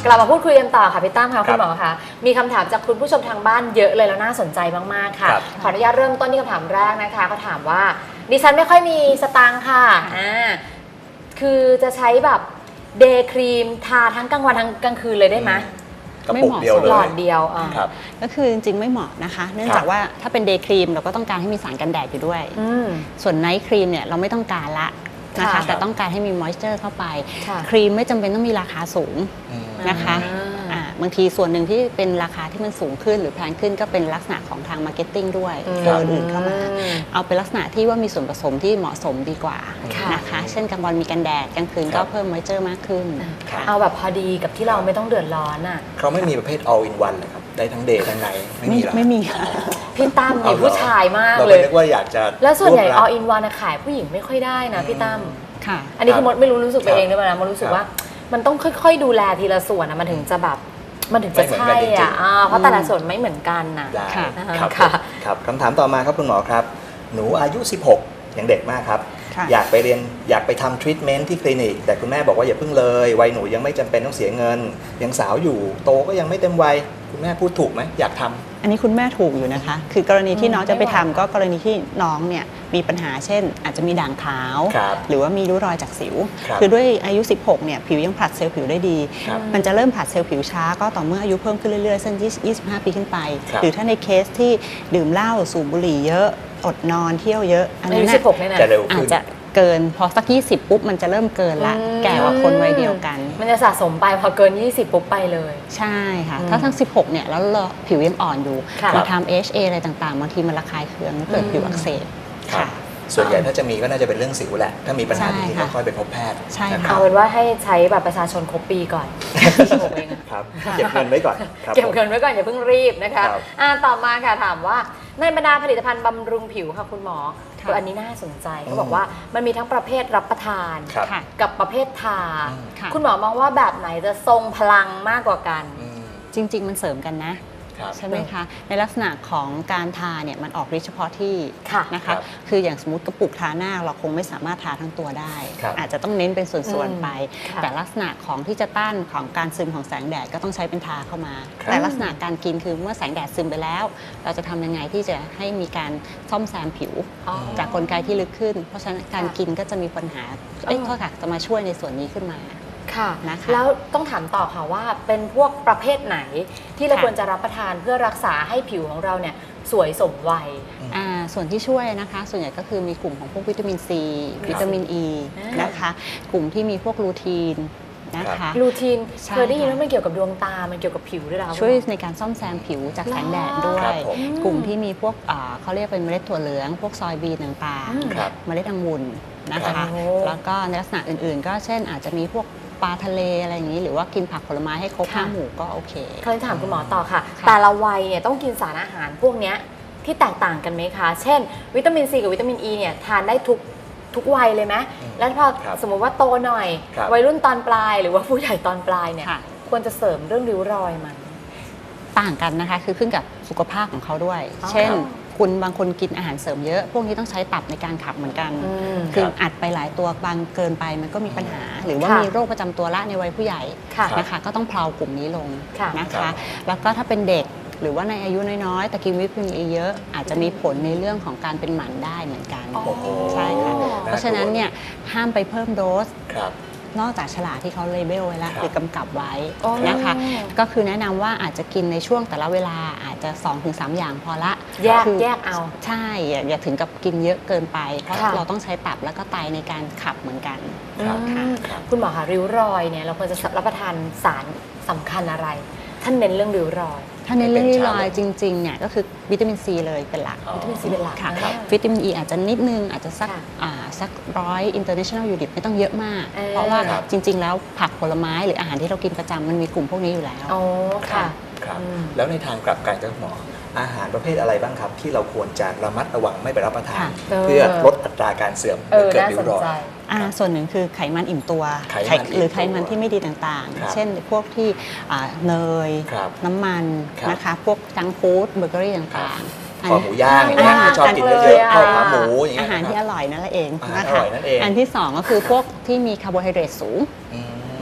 กลับมาพูดคุยกันต่อค่ะพี่ตั้มค่ะคุณหมอคะมีคำถามจากคุณผู้ชมทางบ้านเยอะเลยแล้วน่าสนใจมากๆค่ะขออนุญาตเริ่มต้นที่คำถามแรกนะคะเขาถามว่าดิฉันไม่ค่อยมีสตางค์ค่ะคือจะใช้แบบเดย์ครีมทาทั้งกลางวันทั้งกลางคืนเลยได้ไหมกระปุกเดียวเลยหลอดเดียวก็คือจริงๆไม่เหมาะนะคะเนื่องจากว่าถ้าเป็นเดย์ครีมเราก็ต้องการให้มีสารกันแดดอยู่ด้วยส่วนไนท์ครีมเนี่ยเราไม่ต้องการละนะคะแต่ต้องการให้มีมอยส์เจอร์เข้าไปครีมไม่จำเป็นต้องมีราคาสูงนะคะบางทีส่วนหนึ่งที่เป็นราคาที่มันสูงขึ้นหรือแพงขึ้นก็เป็นลักษณะของทางมาร์เก็ตติ้งด้วยตัวอื่นเข้ามาเอาเป็นลักษณะที่ว่ามีส่วนผสมที่เหมาะสมดีกว่านะคะเช่นกลางวันมีกันแดดกลางคืนก็เพิ่มมอยส์เจอร์มากขึ้นเอาแบบพอดีกับที่เราไม่ต้องเดือดร้อนอ่ะเขาไม่มีประเภท all in one เลยครับได้ทั้งเดย์ทั้งไนท์ไม่มีหรอไม่มีค่ะพี่ตั้มนี่ผู้ชายมากเลยเราไม่นึกว่าอยากจะแล้วส่วนใหญ่ all in one ขายผู้หญิงไม่ค่อยได้นะพี่ตั้มอันนี้คือมดไม่รู้สึกไปเองหรือเปล่านะมดรู้สึกว่ามันต้องค่อยๆดูแลทีละส่วนนะมันถึงจะแบบมันถึงจะใช่อ่ะเพราะแต่ละส่วนไม่เหมือนกันนะครับคำถามต่อมาครับคุณหมอครับหนูอายุ16ยังเด็กมากครับอยากไปทำทรีทเมนต์ที่คลินิกแต่คุณแม่บอกว่าอย่าเพิ่งเลยวัยหนูยังไม่จำเป็นต้องเสียเงินยังสาวอยู่โตก็ยังไม่เต็มวัยคุณแม่พูดถูกไหมอยากทำอันนี้คุณแม่ถูกอยู่นะคะคือกรณีที่น้องจะไปทำก็กรณีที่น้องเนี่ยมีปัญหาเช่นอาจจะมีด่างขาวหรือว่ามีริ้วรอยจากสิวคือด้วยอายุ16เนี่ยผิวยังผลัดเซลล์ผิวได้ดีมันจะเริ่มผลัดเซลล์ผิวช้าก็ต่อเมื่ออายุเพิ่มขึ้นเรื่อยๆเส้น25 ปีขึ้นไปหรือถ้าในเคสที่ดื่มเหล้าสูบบุหรี่เยอะอดนอนเที่ยวเยอะอันนี้16เนี่ยนะอาจจะเกินพอสัก20ปุ๊บมันจะเริ่มเกินละแก่กว่าคนวัยเดียวกันมันจะสะสมไปพอเกิน20ปุ๊บไปเลยใช่ค่ะถ้าทั้ง16เนี่ยแล้วผิวยังอ่อนอยู่มาทำ HA อะไรต่างๆบางทีมันระคายเคืองเกิดผิวอักเสบค่ะส่วนใหญ่ถ้าจะมีก็น่าจะเป็นเรื่องสิวแหละถ้ามีปัญหาที่ก็ค่อยไปพบแพทย์ใช่เอาเป็นว่าให้ใช้บัตรประชาชนครบปีก่อนครับเก็บเงินไว้ก่อนเก็บเงินไว้ก่อนอย่าเพิ่งรีบนะคะต่อมาค่ะถามว่าในบรรดาผลิตภัณฑ์บำรุงผิวค่ะคุณหมอตัวอันนี้น่าสนใจเขาบอกว่ามันมีทั้งประเภทรับประทานกับประเภททาคุณหมอมองว่าแบบไหนจะทรงพลังมากกว่ากันจริงๆมันเสริมกันนะใช่ไหมคะในลักษณะของการทาเนี่ยมันออกฤทธิ์เฉพาะที่นะคะคืออย่างสมมติกระปุกทาหน้าเราคงไม่สามารถทาทั้งตัวได้อาจจะต้องเน้นเป็นส่วนๆไปแต่ลักษณะของที่จะต้านของการซึมของแสงแดดก็ต้องใช้เป็นทาเข้ามาแต่ลักษณะการกินคือเมื่อแสงแดดซึมไปแล้วเราจะทำยังไงที่จะให้มีการซ่อมแซมผิวจากกลไกที่ลึกขึ้นเพราะฉะนั้นการกินก็จะมีปัญหาข้อขัดจะมาช่วยในส่วนนี้ขึ้นมาค่ะแล้วต้องถามต่อค่ะว่าเป็นพวกประเภทไหนที่เราควรจะรับประทานเพื่อรักษาให้ผิวของเราเนี่ยสวยสมวัยส่วนที่ช่วยนะคะส่วนใหญ่ก็คือมีกลุ่มของพวกวิตามินซีวิตามินอีนะคะกลุ่มที่มีพวกลูทีนนะคะลูทีนเคยได้ยินว่ามันเกี่ยวกับดวงตามันเกี่ยวกับผิวด้วยหรอช่วยในการซ่อมแซมผิวจากแสงแดดด้วยกลุ่มที่มีพวกเขาเรียกเป็นเมล็ดถั่วเหลืองพวกซอยบีนต่างๆเมล็ดองุ่นนะคะแล้วก็ในลักษณะอื่นๆก็เช่นอาจจะมีพวกปลาทะเลอะไรอย่างนี้หรือว่ากินผักผลไม้ให้ครบ5 หมู่ก็โอเคเคยถามคุณหมอต่อค่ะแต่ละวัยเนี่ยต้องกินสารอาหารพวกนี้ที่แตกต่างกันไหมคะเช่นวิตามินซีกับวิตามินอีเนี่ยทานได้ทุกวัยเลยไหมแล้วพอสมมติว่าโตหน่อยวัยรุ่นตอนปลายหรือว่าผู้ใหญ่ตอนปลายเนี่ยควรจะเสริมเรื่องริ้วรอยมันต่างกันนะคะคือขึ้นกับสุขภาพของเขาด้วยเช่นคุณบางคนกินอาหารเสริมเยอะพวกนี้ต้องใช้ตับในการขับเหมือนกันคืออัดไปหลายตัวบางเกินไปมันก็มีปัญหาหรือว่ามีโรคประจำตัวละในวัยผู้ใหญ่นะคะก็ต้องเพลากลุ่มนี้ลงนะคะแล้วก็ถ้าเป็นเด็กหรือว่าในอายุน้อยๆแต่กินวิตามินอีเยอะอาจจะมีผลในเรื่องของการเป็นหมันได้เหมือนกันใช่ค่ะเพราะฉะนั้นเนี่ยห้ามไปเพิ่มโดสนอกจากฉลากที่เขาเลเบลไว้แล้วหรือกำกับไว้นะคะก็คือแนะนำว่าอาจจะกินในช่วงแต่ละเวลาอาจจะ 2-3 อย่างพอละแยกเอาใช่อย่าถึงกับกินเยอะเกินไปเพราะเราต้องใช้ตับแล้วก็ไตในการขับเหมือนกันคุณหมอคะริ้วรอยเนี่ยเราควรจะรับประทานสารสำคัญอะไรท่านเน้นเรื่องริ้วรอยถ้าในเรื่องริ้วรอยจริงๆเนี่ยก็คือวิตามินซีเลยเป็นหลักวิตามินซีเป็นหลักค่ะวิตามินอีอาจจะนิดนึงอาจจะสัก100 international unit ไม่ต้องเยอะมากเพราะว่าจริงๆแล้วผักผลไม้หรืออาหารที่เรากินประจำมันมีกลุ่มพวกนี้อยู่แล้วอ๋อค่ะแล้วในทางกลับกันครับหมออาหารประเภทอะไรบ้างครับที่เราควรจะระมัดระวังไม่ไปรับประทานเพื่อลดอัตราการเสื่อมเกิดริ้วรอยส่วนหนึ่งคือไขมันอิ่มตัวหรือไขมันที่ไม่ดีต่างๆเช่นพวกที่เนยน้ำมันนะคะพวกจังก์ฟู้ดเบเกอรี่ต่างๆข้าวหมูย่างอย่างเงี้ยชอบกินเยอะๆข้าวขาหมูอย่างเงี้ยอาหารที่อร่อยนั่นแหละเองนะคะอันที่2ก็คือพวกที่มีคาร์โบไฮเดรตสูง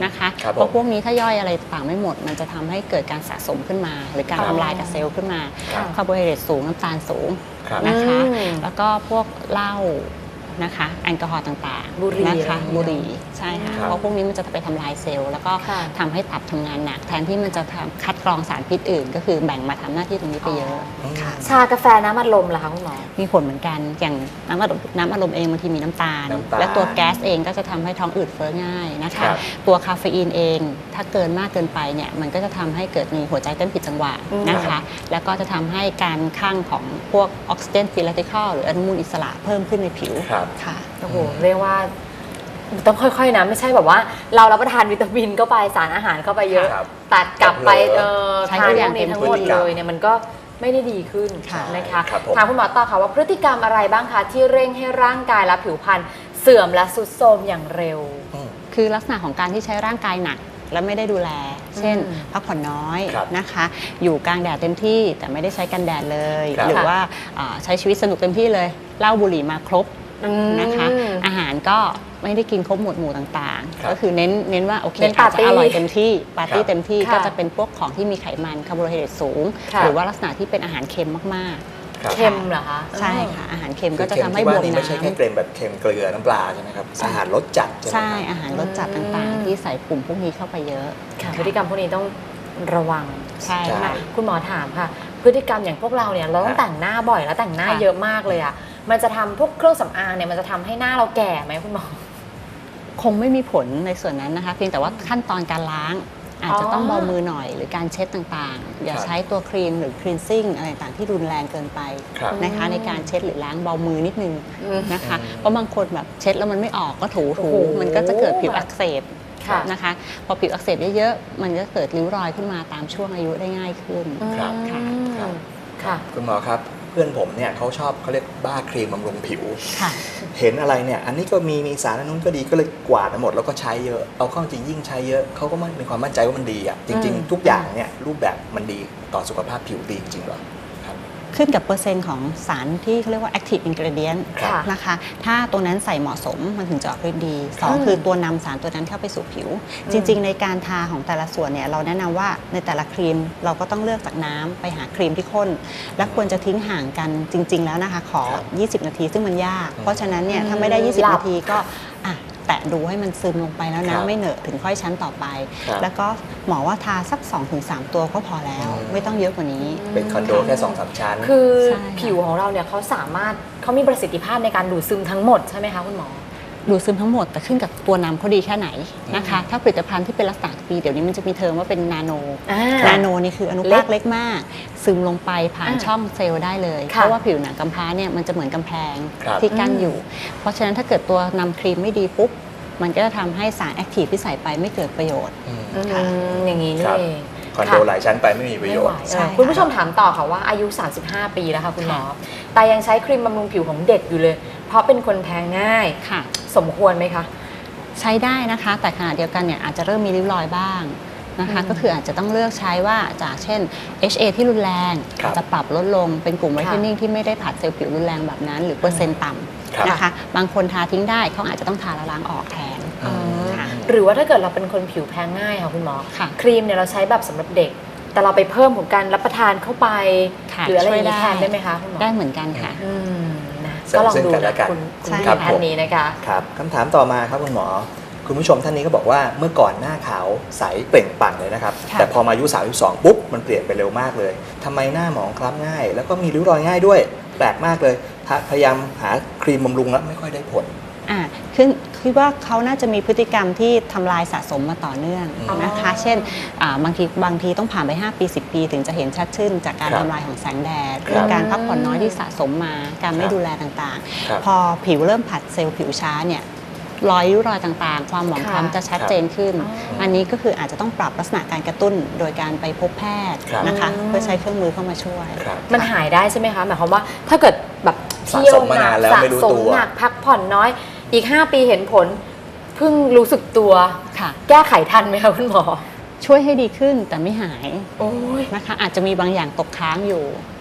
นะคะครับผมเพราะพวกนี้ถ้าย่อยอะไรต่างไม่หมดมันจะทำให้เกิดการสะสมขึ้นมา หรือการครับทำลายกับเซลล์ขึ้นมาครับคาร์โบไฮเดรตสูงน้ำตาลสูงครับนะคะอืมแล้วก็พวกเหล้านะคะแอลกอฮอล์ต่างบุหรี่ๆนะคะอะไรอย่างเงี้ยบุหรี่ใช่ค่ะครับเพราะพวกนี้มันจะไปทำลายเซลล์แล้วก็ค่ะทำให้ตับทำงานหนักแทนที่มันจะคัดกรองสารพิษอื่น ก็คือแบ่งมาทำหน้าที่ตรงนี้ไปเยอะชากาแฟน้ำอัดลมล่ะคะคุณหมอมีผลเหมือนกันอย่างน้ำอัดลมเองบางทีมีน้ำตาลน้ำตาลและตัวแก๊สเองก็จะทำให้ท้องอืดเฟ้อง่ายนะครัคะบตัวคาเฟอีนเองถ้าเกินมากเกินไปเนี่ยมันก็จะทำให้เกิดมีหัวใจเต้นผิดจังหวะนะคะแล้วก็จะทำให้การข้างของพวกออกซิเจนฟรีแรดิคอลหรืออนุมูลอิสระเพิ่มขึ้นในผิวครับค่ะโอ้โหเรียกว่าต้องค่อยๆนะไม่ใช่แบบว่าเรารับประทานวิตามินเข้าไปสารอาหารเข้าไปเยอะครับตัดกลับไปใช้ทานทุกพอย่าว งกนี้ทั้งหมดเป็นพฤติกรรมเลยเนี่ยมันก็ไม่ได้ดีขึ้นค่ะนะคะครับผมถามคุณหมอต่อค่ะว่าพฤติกรรมอะไรบ้างคะที่เร่งให้ร่างกายและผิวพรรณเสื่อมและทรุดโทรมอย่างเร็วคือลักษณะของการที่ใช้ร่างกายหนักและไม่ได้ดูแล เช่นอืมพักผ่อนน้อยครับนะคะ อยู่กลางแดดเต็มที่แต่ไม่ได้ใช้กันแดดเลยครับหรือว่าใช้ชีวิตสนุกเต็มที่เลยเหล้าบุหรี่มาครบนะคะ อาหารก็ไม่ได้กินครบหมวดหมู่ต่างครับๆ ก็คือเน้นว่าโอเคเน้นอาจจะปาร์ตี้อร่อยเต็มที่ปาร์ตี้ครับเต็มที่ค่ะก็จะเป็นพวกของที่มีไขมันคาร์โบไฮเดรตสูงค่ะหรือว่าลักษณะที่เป็นอาหารเค็มมากครับเค็มเหรอคะๆ ใช่ค่ะอาหารเค็มคืก็อจะเค็มทำให้ที่บว่าวมนี่ไม่ใช่แค่น้ำเค็มแบบเค็มเกลือน้ำปลาใช่ไหมครับอาหารรสจัดใช่ไหมใช่ครับอาหารรสจัดต่างๆ ที่ใส่กลุ่มพวกนี้เข้าไปเยอะค่ะพฤติกรรมพวกนี้ต้องระวังใช่ใช่ค่ะคุณหมอถามค่ะ พฤติกรรมอย่างพวกเราเนี่ยเราต้องแต่งหน้าบ่อยแล้วแต่งหน้าค่ะเยอะมากเลยอ่ะมันจะทำพวกเครื่องสำอางเนี่ยมันจะทำให้หน้าเราแก่ไหมคุณหมอคงไม่มีผลในส่วนนั้นนะคะ เพียงแต่ว่าขั้นตอนการล้าง อาจจะต้องเบามือหน่อย หรือการเช็ดต่างๆ อย่าครับใช้ตัวครีมหรือคลีนซิ่งอะไรต่างๆที่รุนแรงเกินไปครับนะคะในการเช็ดหรือล้างเบามือนิดนึงอืมนะคะอืมเพราะบางคนแบบเช็ดแล้วมันไม่ออกก็ถูโอ้โหมันก็จะเกิดผิวอักเสบค่ะนะคะพอผิวอักเสบเยอะๆมันก็เกิดริ้วรอยขึ้นมาตามช่วงอายุได้ง่ายขึ้นครับค่ะครับค่ะคุณหมอครับเพื่อนผมเนี่ยเขาชอบเขาเรียกบ้าครีมบำรุงผิวค่ะเห็นอะไรเนี่ยอันนี้ก็มีสารอันนู้นก็ดีก็เลยกวาดมาหมดแล้วก็ใช้เยอะเอาเข้าจริงยิ่งใช้เยอะเขาก็ไม่มีความมั่นใจว่ามันดีอ่ะจริงอืมๆ ทุกอย่างเนี่ยรูปแบบมันดีต่อสุขภาพผิวดีจริงๆเหรอครับขึ้นกับเปอร์เซ็นต์ของสารที่เขาเรียกว่า active ingredient ครับนะคะ ถ้าตัวนั้นใส่เหมาะสมมันถึงจะออกฤทธิ์ดีสองอืมคือตัวนำสารตัวนั้นเข้าไปสู่ผิว จริง ๆ ในการทาของแต่ละส่วนเนี่ยเราแนะนำว่าในแต่ละครีมเราก็ต้องเลือกจากน้ำไปหาครีมที่ข้น และควรจะทิ้งห่างกันจริง ๆ แล้วนะคะ ขอ 20 นาทีซึ่งมันยาก เพราะฉะนั้นเนี่ยถ้าไม่ได้หลับ 20 นาทีก็อ่ะแตะดูให้มันซึมลงไปแล้วครันะบไม่เหนอะถึงค่อยชั้นต่อไปครับแล้วก็หมอว่าทาสัก 2-3 ตัวก็พอแล้วอืมไม่ต้องเยอะกว่านี้เป็นคอนโดแค่2-3 ชั้นคือใช่ค่ะผิวของเราเนี่ยเขาสามารถเขามีประสิทธิภาพในการดูดซึมทั้งหมดใช่ไหมคะคุณหมอดูดซึมทั้งหมดแต่ขึ้นกับตัวนำเขาดีแค่ไหนนะคะ ถ้าผลิตภัณฑ์ที่เป็นลักษณะปีเดี๋ยวนี้มันจะมีเทอมว่าเป็นนาโนอ่านาโนนี่คืออนุภาคเล็กมาก ซึมลงไปผ่านอ่าช่องเซลล์ได้เลยค่ะเพราะว่าผิวหนังกำพร้าเนี่ยมันจะเหมือนกำแพงครับที่กั้นอยู่ เพราะฉะนั้นถ้าเกิดตัวนำครีมไม่ดีปุ๊บ มันก็จะทำให้สารแอคทีฟที่ใส่ไปไม่เกิดประโยชน์อืมค่ะอย่างนี้นี่ครับเองคอนโดหลายชั้นไปไม่มีประโยชน์ใช่คุณผู้ชมถามต่อค่ะว่าอายุ 35 ปีแล้วค่ะคุณหมอ แต่ยังใช้ครีมบำรุงผิวของเด็กอยู่เลย เพราะเป็นคนแพ้ง่ายค่ะสมควรไหมคะใช้ได้นะคะ แต่ขณะเดียวกันเนี่ยอาจจะเริ่มมีริ้วรอยบ้างนะคะอืมก็คืออาจจะต้องเลือกใช้ว่าจากเช่น HA ที่รุนแรงครับอาจจะปรับลดลงเป็นกลุ่มไวท์เทนนิ่งค่ะที่ไม่ได้ผัดเซลล์ผิวรุนแรงแบบนั้น หรือเปอร์เซ็นต์ต่ครับำนะคะ บางคนทาทิ้งได้เขาอาจจะต้องทาแล้วล้างออกแทนอืมค่ะหรือว่าถ้าเกิดเราเป็นคนผิวแพ้ง่ายค่ะคุณหมอค่ะครีมเนี่ยเราใช้แบบสำหรับเด็ก แต่เราไปเพิ่มของการรับประทานเข้าไปค่ะหรืออะไรอย่างนี้ช่วยได้แทนได้ไหมคะคุณหมอได้เหมือนกันค่ะอืมนะเสริมก็ลองซึ่งดูกันและนะกันคุณใช่ผู้ค่ะท่านนี้นะคะครับคำถามต่อมาครับคุณหมอ คุณผู้ชมท่านนี้ก็บอกว่าเมื่อก่อนหน้าขาวใสเปล่งปลั่งเลยนะครับค่ะแต่พอมาอายุ32ปุ๊บมันเปลี่ยนไปเร็วมากเลยทำไมหน้าหมองคล้ำง่าย แล้วก็มีริ้วรอยง่ายด้วยแปลกมากเลยพยายามหาครีมบำรุงแล้วไม่ค่อยได้ผลคิดว่าเขาน่าจะมีพฤติกรรมที่ทำลายสะสมมาต่อเนื่องอ๋อนะคะ เช่นบางทีต้องผ่านไป 5 ปี 10 ปีถึงจะเห็นชัดขึ้นจากการครับทำลายของแสงแดดครับหรือการพักผ่อนน้อยที่สะสมมา การไม่ครับดูแลต่างครับๆ พอผิวเริ่มผัดเซลล์ผิวช้าเนี่ยรอยริ้วรอยต่างๆ ความหมองค่ะคล้ำจะชัดเจนขึ้นอ๋ออัอันนี้ก็คืออาจจะต้องปรับลักษณะการกระตุ้นโดยการไปพบแพทย์ครับนะคะอืมเพื่อใช้เครื่องมือเข้ามาช่วยครับมันหายได้ใช่ไหมคะหมายความว่าถ้าเกิดแบบสะเที่ยสวมมาหนันาก นแล้วสะไม่รู้สมตัวหนักพักผ่อนน้อยอีก 5 ปีเห็นผลเพิ่งรู้สึกตัวค่ะแก้ไขทันไหมคะคุณหมอช่วยให้ดีขึ้นแต่ไม่หายโอ้ยนะคะอาจจะมีบางอย่างตกค้างอยู่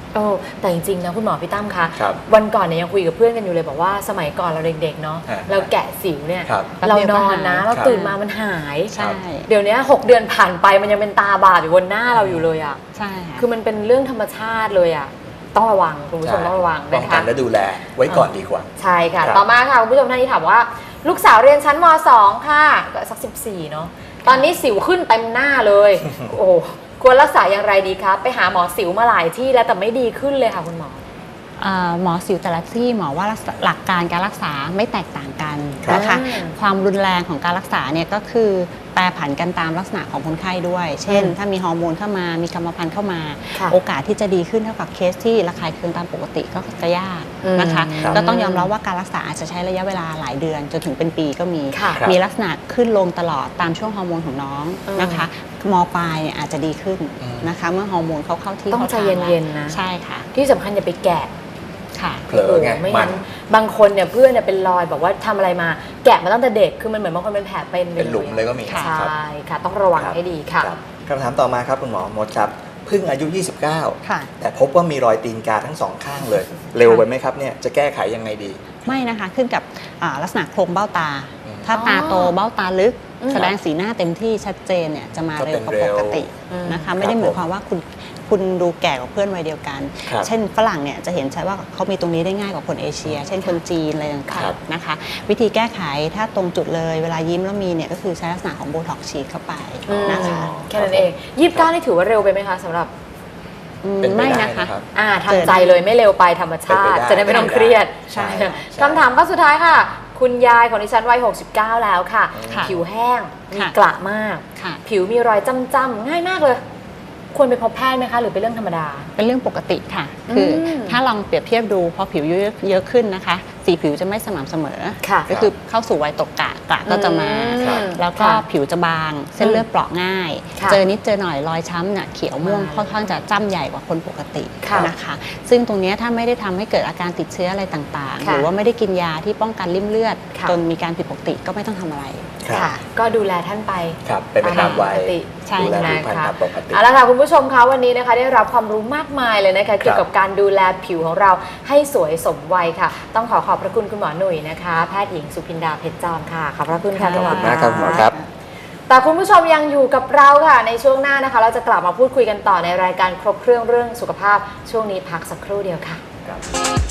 แต่จริงๆนะคุณหมอพี่ตั้มคะครับวันก่อนเนี่ยยังคุยกับเพื่อนกันอยู่เลยบอกว่าสมัยก่อนเราเด็กๆเนาะฮะเราแกะสิวเนี่ยครับเรานอนนะครับเราตื่นมามันหายใช่เดี๋ยวนี้6 เดือนผ่านไปมันยังเป็นตาบาปอยู่บนหน้าเราอยู่เลยอ่ะใช่ค่ะคือมันเป็นเรื่องธรรมชาติเลยอ่ะต้องระวังคุณผู้ชมต้องระวังป้องนะกัคะนและดูแลไว้ก่อนดีกว่าใช่ค่ะครับต่อมาค่ะคุณผู้ชมท่านนี้ถามว่า ลูกสาวเรียนชั้นม .2 ค่ะก็สัก14เนาะตอนนี้สิวขึ้นเต็มหน้าเลย โอ้ควรรักษาอย่างไรดีคะไปหาหมอสิวมาหลายที่แล้วแต่ไม่ดีขึ้นเลยค่ะคุณหมอหมอสิวแต่ละที่หมอว่าหลักการการรักษาไม่แตกต่างกันครับนะคะ ความรุนแรงของการรักษาเนี่ยก็คือแปรผันกันตามลักษณะของคนไข้ด้วย เช่น ถ้ามีฮอร์โมนเข้ามามีกรรมพันธุ์เข้ามาค่ะโอกาสที่จะดีขึ้นเท่ากับเคสที่ระคายเคืองตามปกติก็จะยากนะคะครับก็ต้องยอมรับว่าการรักษาอาจจะใช้ระยะเวลาหลายเดือนจนถึงเป็นปีก็มีค่ะมีลักษณะขึ้นลงตลอดตามช่วงฮอร์โมนของน้องนะคะมปลายเนี่ยอาจจะดีขึ้นนะคะเมื่อฮอร์โมนเขาเข้าที่ต้องใจเย็นๆนะใช่ค่ะที่สำคัญอย่าไปแกะค่ะเผลอไงโโหไม่มังั้นนบางคนเนี่ยเพื่อนเนี่ยเป็นรอยบอกว่าทำอะไรมาแกะมาตั้งแต่เด็กคือมันเหมือนบางคนเป็นแผลเป็นเป็นหลุมเลยก็มีใช่ครับค่ะต้องระวังครับให้ดีค่ะครับคำถามต่อมาครับคุณหมอมดครับเพิ่งอายุ 29 ค่ะแต่พบว่ามีรอยตีนกาทั้งสองข้างเลย เร็วไปไหมครับเนี่ยจะแก้ไขยังไงดีไม่นะคะขึ้นกับลักษณะโครงเบ้าตาอืมถ้าตาโตอ๋อเบ้าตาลึกอืมแสดงสีหน้าเต็มที่ชัดเจนเนี่ยจะมาก็เร็เป็วน กว่าเร็ปวกติอืมนะคะไม่ได้หมายความว่าคุณดูแก่กว่าเพื่อนวัยเดียวกันครับเช่นฝรั่งเนี่ยจะเห็นชัดว่าเขามีตรงนี้ได้ง่ายกว่าคนเอเชีย เช่นคนจีนอะไรต่าครังบๆนะคะ วิธีแก้ไขถ้าตรงจุดเลยเวลายิ้มแล้วมีเนี่ยก็คือใช้ลักษณะของโบท็อกซ์ฉีดเข้าไปนะคะแค่นั้นเอง29นี่ถือว่าเร็วไปไหมคะสำหรับเป็นไปไม่ได้นะคะนะครับทำใจเลยไม่เร็วไปธรรมชาติเป็นไปได้จะได้ไม่ต้องเครียดใช่ค่ะใช่คำถามข้อสุดท้ายค่ะ คุณยายของดิฉันวัย69 แล้วค่ะค่ะผิวแห้งมีค่ะกระมากค่ะผิวมีรอยจ้ำๆง่ายมากเลย ควรไปพบแพทย์ไหมคะ หรือเป็นเรื่องธรรมดาเป็นเรื่องปกติค่ะ คืออมถ้าลองเปรียบเทียบดูพอผิวเยอะขึ้นนะคะ สีผิวจะไม่สม่ำเสมอค่ะก็คือเข้าสู่วัยตกกะก็จะมาครับแล้วก็ค่ะผิวจะบาง เส้นเลือดเปราะง่ายค่ะเจอนิดเจอหน่อยรอยช้ำเนี่ยเขียวม่วงมาค่อนข้างจะจ้ำใหญ่กว่าคนปกติค่ะนะคะ ซึ่งตรงเนี้ยถ้าไม่ได้ทำให้เกิดอาการติดเชื้ออะไรต่างๆค่ะหรือว่าไม่ได้กินยาที่ป้องกันริ่มเลือดค่ะจนมีการผิดปกติก็ไม่ต้องทำอะไรครับค่ะ ก็ดูแลท่านไปครับเป็นไปตามวัยปกติใช่ดูแลนะผิวพรรณคะตามปกติเอาละค่ะคุณผู้ชมคะวันนี้นะคะได้รับความรู้มากมายเลยนะคะเกี่ยวกับการดูแลผิวของเราให้สวยสมวัยค่ะ ต้องขอบพระคุณคุณหมอหนุ่ยนะคะแพทย์หญิงสุพินดาเพชรจอมค่ะขอบพระคุณค่ะขอบคุณณหมากครับคุณหมอครับแต่คุณผู้ชมยังอยู่กับเราค่ะในช่วงหน้านะคะ เราจะกลับมาพูดคุยกันต่อในรายการครบเครื่องเรื่องสุขภาพช่วงนี้พักสักครู่เดียวค่ะครับ